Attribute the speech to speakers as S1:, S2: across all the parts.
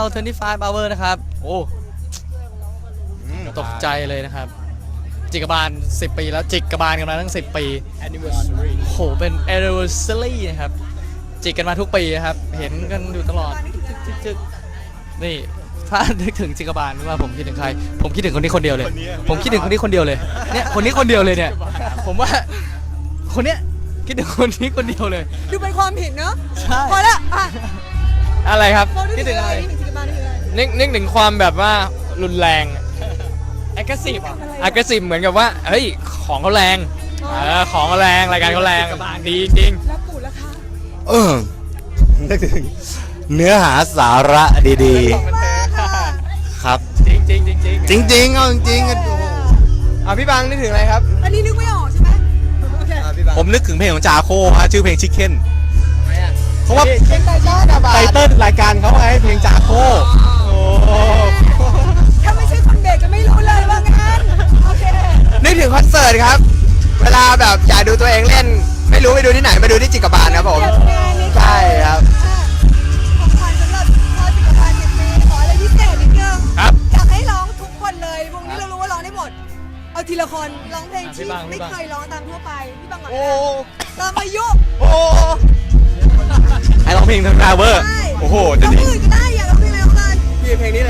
S1: 25 hour นะครับโอ้ตกใจเลยนะครับจิกบาล10 ปีแล้วจิกบาลกันมาตั้ง10 ปี
S2: anniversary
S1: โหเป็น anniversary นะครับจิกกันมาทุกปีนะครับเห็นกันอยู่ตลอดจึกนี่ถ้านึกถึงจิกบาลว่าผมคิดถึงใครผมคิดถึงคนนี้คนเดียวเลยผมคิดถึงคนนี้คนเดียวเลยเนี่ยคนนี้คนเดียวเลยเนี่ยผมว่าคนเนี้ยคิดถึงคนนี้คนเดียวเลย
S3: ดูเป็นความผิดเนอะ
S1: ใช่
S3: พอละอ่ะ
S2: อะไรครับ
S3: เรา
S1: คิดถึงอะไร
S3: นึกถึงอะไร
S2: นึกถึงความแบบว่ารุนแรง aggressive อ่ะ aggressive เหมือนกับว่าเฮ้ยของเขาแรงของเขาแรงรายการเขาแรงดีจริง
S3: แล้วปู่ล่ะคะ
S4: นึกถึงเนื้อหาสาระดีๆ ครับ
S2: จริงจริงจริงจริง
S4: จริงๆเอาจริงๆ
S2: พี่บังนึกถึงอะไรครับ
S3: อันนี้นึกไม่ออกใช่ไหมโอเค
S4: ผมนึกถึงเพลงของจาโคฮะชื่อเพลงชิคเก้นเพราะว่า
S2: เช่นไตเติ้ลรายการเขาไงเพลงจาโคโอ้
S3: ถ้าไม่ใช่คนเด็กก็ไม่รู้เลยว่างั้นโอเค
S5: นึกถึงคอนเสิร์ตครับ เวลาแบบอยากดูตัวเองเล่น ไม่รู้ไปดูที่ไหนมาดูที่จิกบาลครับผม ใช่ครับ
S3: ของขวัญสำหรับพ่อจิกบาล10 ปีขออะไรพิเศษนิดนึง
S2: ครับ
S3: อยากให้ร้องทุกคนเลยวงนี้เรารู้ว่าร้องได้หมด เอาทีละคนร้องเพลงที่
S2: พี่บัง
S3: ไม่เคยร้องตามทั่วไปพี่บังก่อน
S5: โอ้
S3: ตามอายุ
S5: โอ้
S4: ให้ร้องเพลงทางดาวเวอร์
S3: ใช่
S4: โอ้โห
S3: ร้องอื่นก็ได้อยากร้องเพลงอะไรก็ได้
S5: พี่เพลงนี้เลย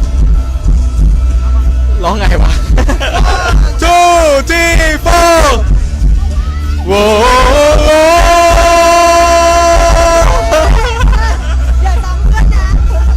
S4: ร้องไงวะ 2 3 4โว้
S3: อย่าซ้ำเพื่อนนะ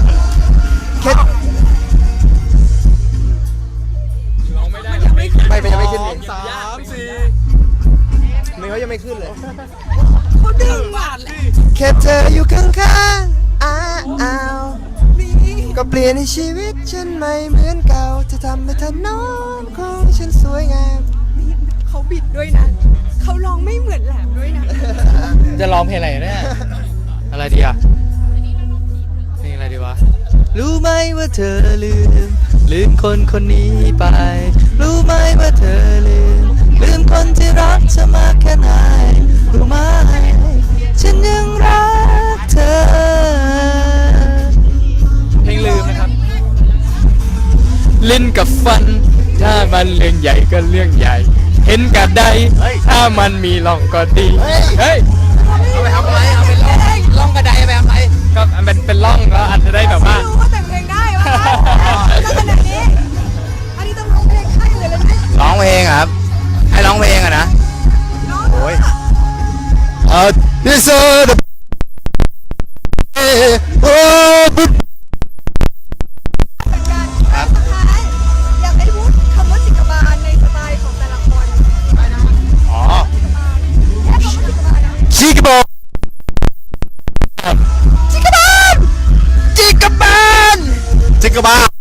S5: ไม่เป็นยังไม่ขึ้นเลย
S2: 3 4
S5: ไม่เขายังไม่ขึ้นเลย
S3: เขาดึงว่ะ
S5: แค่เธออยู่ข้างๆอ้าว
S3: นี่
S5: ก็เปลี่ยนให้ชีวิตฉันไม่เหมือนเก่าจะทำให้เธอนอนของฉันสวยงาม
S3: เขาบิดด้วยนะ เขาร้องไม่เหมือนแหลมด้วยนะ
S1: จะร้องเพลงอะไรเนี่ยอะไรดีอะเพลงอะไรดีวะรู้ไหมว่าเธอลืมคนคนนี้ไป รู้ไหมว่าเธอลืมคนที่รักเธอมากแค่ไหนรู้ไหมฉันยังรักเธอเพลงลืมนะครับ
S2: ลิ้นกับฟัน ถ้ามันเรื่องใหญ่ก็เรื่องใหญ่ เห็นกับใดถ้ามันมีร่องก็ดีเฮ้ย
S5: เอาไปทำอะไรเอาไปล่องกระไดไปทำอะไร
S2: ก็เป็นร่องแล้วอาจจะได้แบบว่า
S3: รู้ว่าแต่งเพลงได้วะแล้วขนาดนี้ อันนี้ต้องร้องเพลงให้เลยเลยไหม
S4: ร้องเพลงอะครับ ให้ร้องเพลงอะนะ
S3: น้อง
S4: โอ้ยthis is the โอ้
S3: เป็นการสุดท้ายอยากให้พูดคำว่าจิกบาลในสไตล์ของแต่ละคน
S4: อ๋อ
S3: แค่คำว่าจิกบาลนะ
S4: ชิคบอล
S5: จิกบาล
S4: จิกบาล